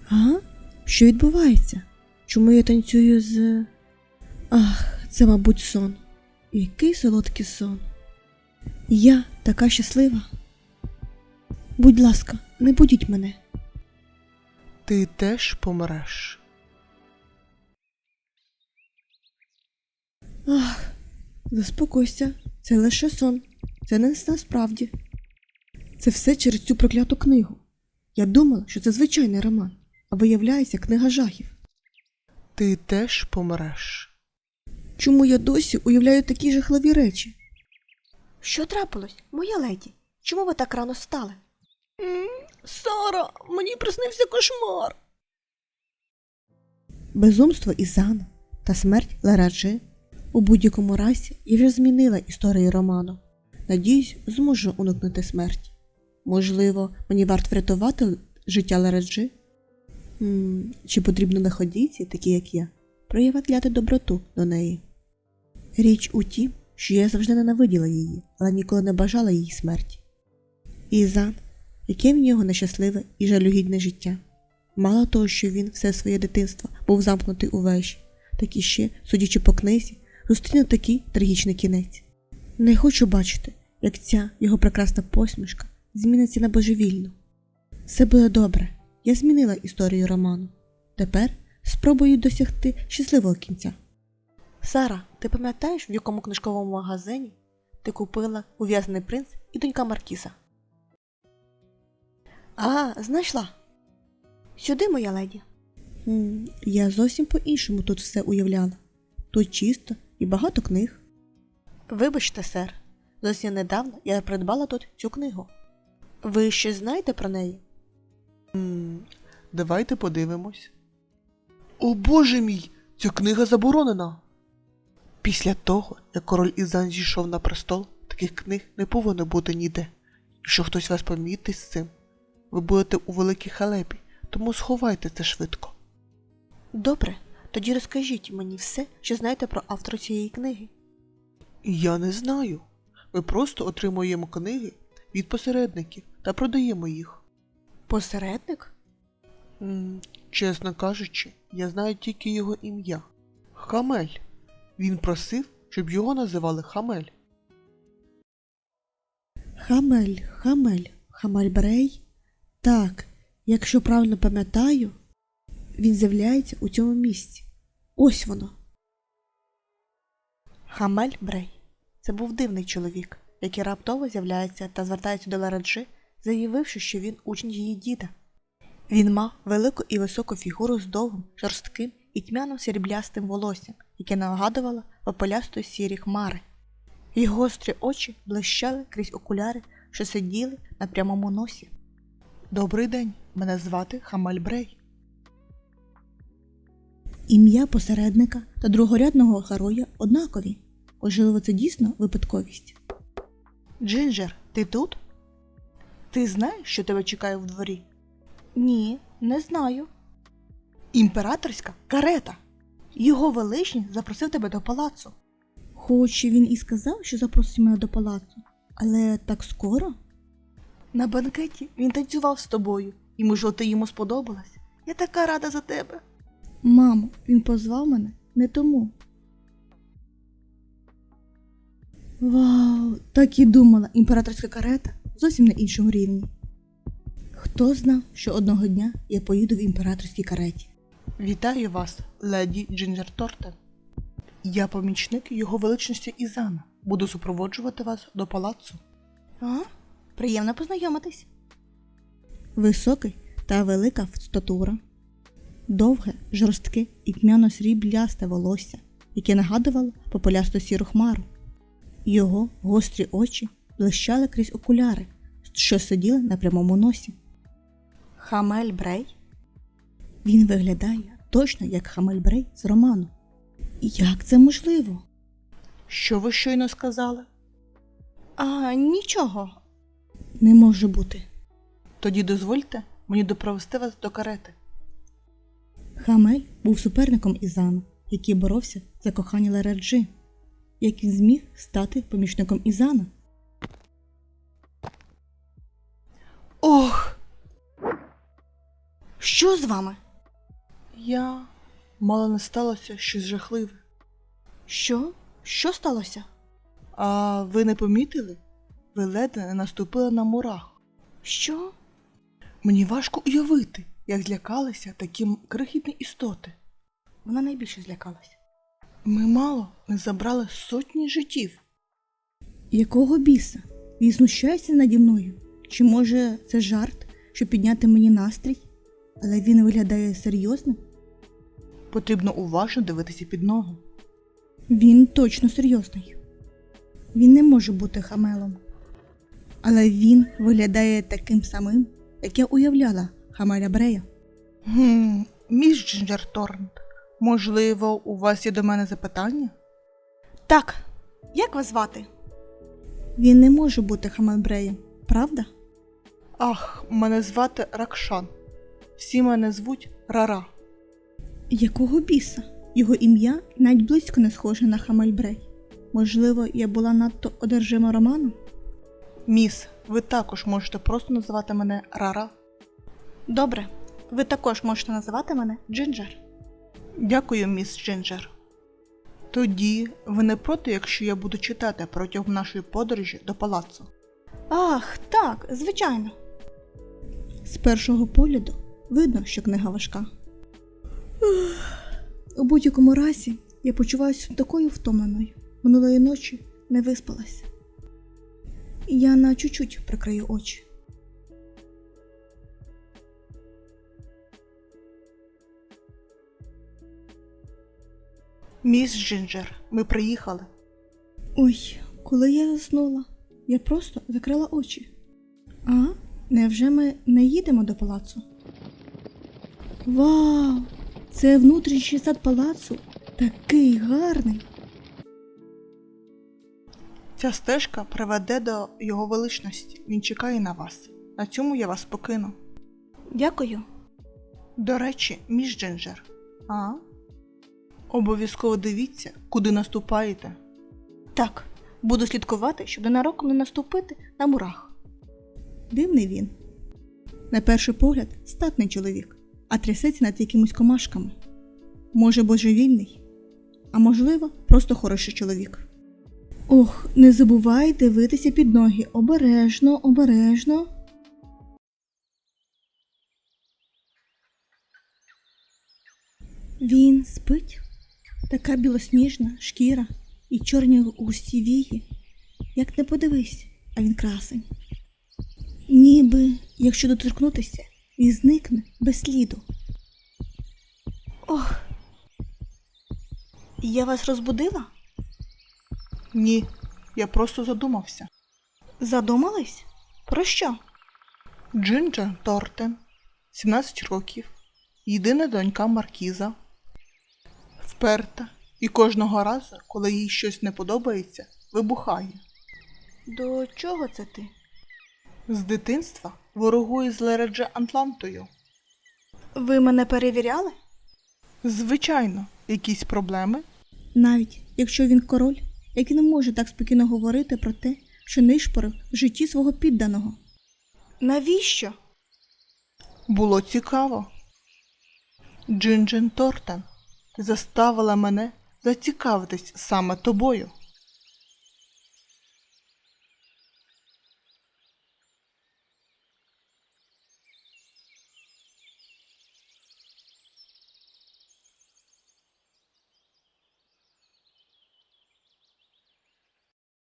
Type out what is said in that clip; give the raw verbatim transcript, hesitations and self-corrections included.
А? Що відбувається? Чому я танцюю з... Ах, це, мабуть, сон. Який солодкий сон. Я така щаслива. Будь ласка, не будіть мене. Ти теж помреш. Ах, заспокойся. Це лише сон. Це не насправді. Це все через цю прокляту книгу. Я думала, що це звичайний роман, а виявляється книга жахів. Ти теж помреш. Чому я досі уявляю такі жахливі речі? Що трапилось, моя леді? Чому ви так рано встали? Сара, мені приснився кошмар. Безумство Ізана та смерть Лераджи. У будь-якому разі я вже змінила історію роману. Надіюсь, зможу уникнути смерті. Можливо, мені варто врятувати життя Лераджи? М, Чи потрібно лиходійці, такі як я, проявляти доброту до неї? Річ у тім, що я завжди ненавиділа її, але ніколи не бажала її смерті. Ізан, яке в нього нещасливе і жалюгідне життя. Мало того, що він все своє дитинство був замкнутий у вежі, так і ще, судячи по книзі, зустріне такий трагічний кінець. Не хочу бачити, як ця його прекрасна посмішка зміниться на божевільну. Все буде добре. Я змінила історію роману. Тепер спробую досягти щасливого кінця. Сара, ти пам'ятаєш, в якому книжковому магазині ти купила «Ув'язнений принц» і «Донька Маркіза»? А, знайшла. Сюди, моя леді. М, Я зовсім по-іншому тут все уявляла. Тут чисто і багато книг. Вибачте, сер, зовсім недавно я придбала тут цю книгу. Ви щось знаєте про неї? М, Давайте подивимось. О боже мій! Ця книга заборонена! Після того, як король Ізан зійшов на престол, таких книг не повинно бути ніде. Якщо хтось вас помітить з цим, ви будете у великій халепі, тому сховайте це швидко. Добре, тоді розкажіть мені все, що знаєте про автора цієї книги. Я не знаю. Ми просто отримуємо книги від посередників та продаємо їх. Посередник? М, Чесно кажучи, я знаю тільки його ім'я. Хамель. Він просив, щоб його називали Хамель. Хамель, Хамель, Хамальбрей? Так, якщо правильно пам'ятаю, він з'являється у цьому місці. Ось воно. Хамель Брей. Це був дивний чоловік, який раптово з'являється та звертається до Лераджи, заявивши, що він учень її діда. Він мав велику і високу фігуру з довгим, жорстким і тьмяним сріблястим волоссям, яке нагадувало попелястої сірі хмари. Його гострі очі блищали крізь окуляри, що сиділи на прямому носі. Добрий день, мене звати Хамель Брей. Ім'я посередника та другорядного героя однакові. Можливо, це дійсно випадковість. Джинджер, ти тут? Ти знаєш, що тебе чекає в дворі? Ні, не знаю. Імператорська карета. Його величність запросив тебе до палацу. Хоч він і сказав, що запросить мене до палацу, але так скоро? На банкеті він танцював з тобою, і, можливо, ти йому сподобалась. Я така рада за тебе. Мамо, він позвав мене не тому. Вау, так і думала, імператорська карета зовсім на іншому рівні. Хто знав, що одного дня я поїду в імператорській кареті? Вітаю вас, леді Джинджер Тортен. Я помічник його величності Ізана. Буду супроводжувати вас до палацу. А? Приємно познайомитись. Високий та велика статура. Довге, жорстке і тьмяно-сріблясте волосся, яке нагадувало попелясту сіру хмару. Його гострі очі блищали крізь окуляри, що сиділи на прямому носі. Хамель Брей? Він виглядає точно як Хамель Брей з роману. Як це можливо? Що ви щойно сказали? А, нічого. Не може бути. Тоді дозвольте мені допровести вас до карети. Хамель був суперником Ізана, який боровся за кохання Лераджи. Як він зміг стати помічником Ізана? Ох! Що з вами? Я мало не сталося щось жахливе. Що? Що сталося? А ви не помітили? Ви ледве не наступили на мурах. Що? Мені важко уявити, як злякалися такі крихітні істоти. Вона найбільше злякалася. Ми мало не забрали сотні життів. Якого біса? Він знущається наді мною? Чи може це жарт, щоб підняти мені настрій? Але він виглядає серйозним? Потрібно уважно дивитися під ноги. Він точно серйозний. Він не може бути хамелом. Але він виглядає таким самим, як я уявляла Хамеля Брея. Гм, міс Джинджер Торнт, можливо, у вас є до мене запитання? Так, як вас звати? Він не може бути Хамель Бреєм, правда? Ах, мене звати Ракшан. Всі мене звуть Рара. Якого біса? Його ім'я навіть близько не схоже на Хамель Брей. Можливо, я була надто одержима романом? Міс, ви також можете просто називати мене Рара. Добре, ви також можете називати мене Джинджер. Дякую, міс Джинджер. Тоді ви не проти, якщо я буду читати протягом нашої подорожі до палацу? Ах, так, звичайно. З першого погляду видно, що книга важка. У будь-якому разі я почуваюся такою втомленою. Минулої ночі не виспалась. Я на чуть-чуть прикрию очі. Міс Джинджер, ми приїхали. Ой, коли я заснула, я просто закрила очі. А? Невже ми не їдемо до палацу? Вау! Це внутрішній сад палацу. Такий гарний. Ця стежка приведе до його величності. Він чекає на вас. На цьому я вас покину. Дякую. До речі, міс Джинджер. А? Обов'язково дивіться, куди наступаєте. Так, буду слідкувати, щоб ненароком не наступити на мурах. Дивний він. На перший погляд статний чоловік, а трясеться над якимось комашками. Може, божевільний, а можливо, просто хороший чоловік. Ох, не забувай дивитися під ноги. Обережно, обережно. Він спить. Така білосніжна шкіра і чорні густі вії. Як не подивись, а він красень. Ніби, якщо доторкнутися, він зникне без сліду. Ох. Я вас розбудила? Ні, я просто задумався. Задумались? Про що? Джинджер Тортен, сімнадцять років, єдина донька маркіза. Вперта і кожного разу, коли їй щось не подобається, вибухає. До чого це ти? З дитинства ворогує з Лередже Атлантою. Ви мене перевіряли? Звичайно, якісь проблеми? Навіть якщо він король, який не може так спокійно говорити про те, що нишпорив в житті свого підданого. Навіщо? Було цікаво. Джинджер Тортен, ти заставила мене зацікавитись саме тобою.